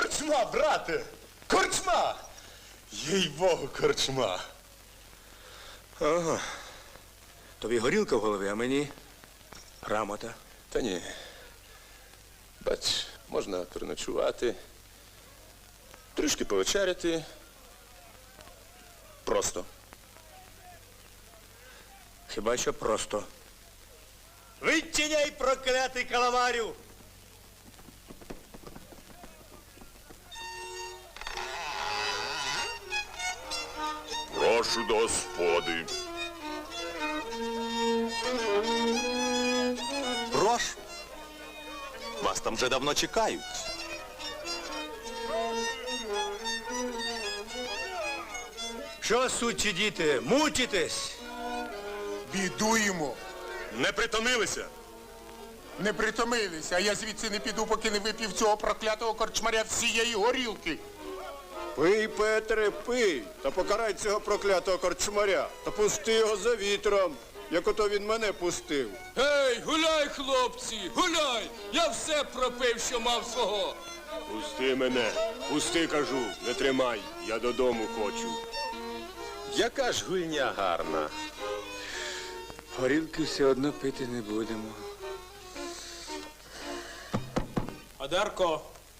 Корчма, брате! Корчма! Їй-богу, корчма! Ага. Тобі горілка в голові, а мені грамота. Та ні. Бач, можна переночувати, трішки повечеряти. Просто. Хіба що просто. Відчиняй, проклятий каламарю! Прошу до господи. Прошу. Вас там вже давно чекають. Що, сучі діти, мучитесь? Бідуємо. Не притомилися? Не притомилися, а я звідси не піду, поки не вип'ів цього проклятого корчмаря всієї горілки. Пий, Петре, пий, та покарай цього проклятого корчмаря, та пусти його за вітром, як ото він мене пустив. Гей, гуляй, хлопці, гуляй! Я все пропив, що мав свого. Пусти мене, пусти, кажу, не тримай, я додому хочу. Яка ж гульня гарна. Горілки все одно пити не будемо. Одарко.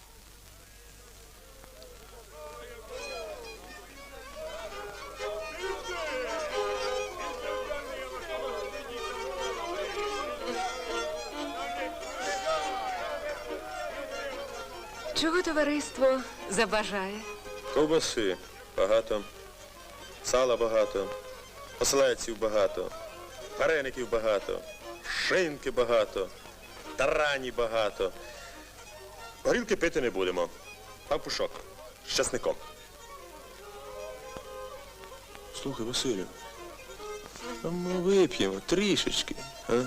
Чого товариство забажає? Ковбаси багато, сала багато, оселедців багато, вареників багато, шинки багато, тарані багато. Горілки пити не будемо. Пампушок з часником. Слухай, Василю, а ми вип'ємо трішечки, а?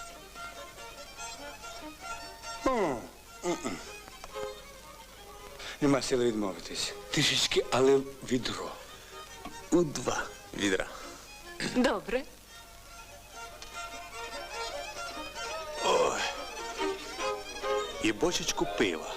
Нема сили відмовитись. Трішечки, але відро. У 2 відра. Добре. І бочечку пива.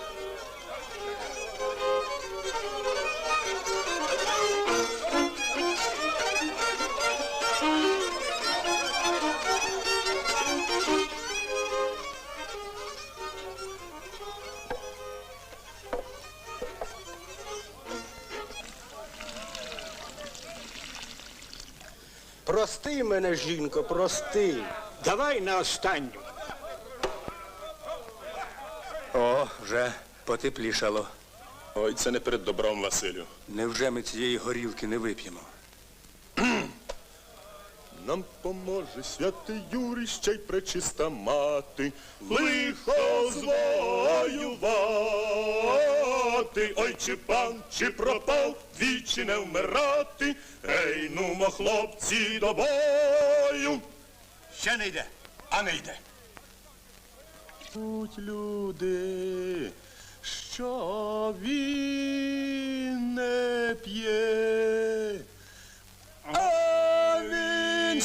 Прости мене, жінко, прости. Давай на останню. О, вже потеплішало. Ой, це не перед добром, Василю. Невже ми цієї горілки не вип'ємо? Нам поможе святий Юрій, ще й пречиста мати, лихо звоювати. Ой, чи пан, чи пропав, двічі не вмирати. Ей, нумо, хлопці, до бою. Ще не йде, а не йде. Будь люди, що він не п'є, а він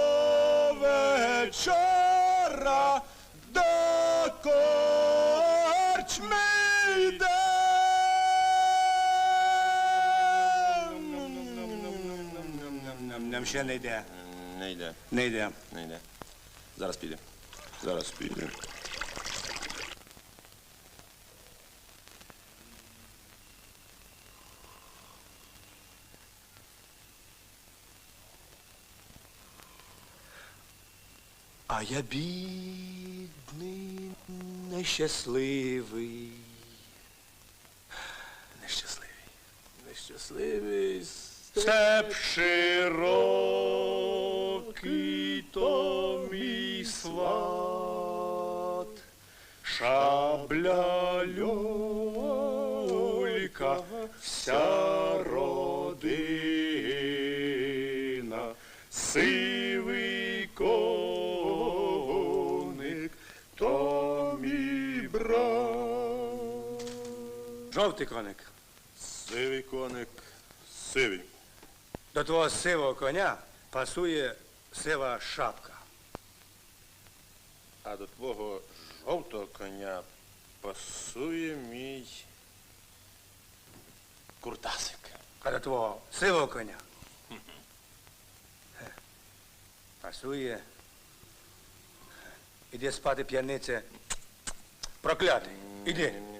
щовечора до корчми йде. Нам ще не йде. Не йде, Не йде. не йде. Зараз піде. Зараз піде. А я бідний, нещасливий. Нещасливий. Нещасливий. Степ широкий, то мій сват, шабля люлька, вся родина, сивий коник, то мій брат. Жовтий коник. Сивий коник, сивий. До твого сивого коня пасує сива шапка. А до твого жовтого коня пасує мій Куртасик. А до твого сивого коня пасує. Іди спати, п'янице. Проклятий. Іди.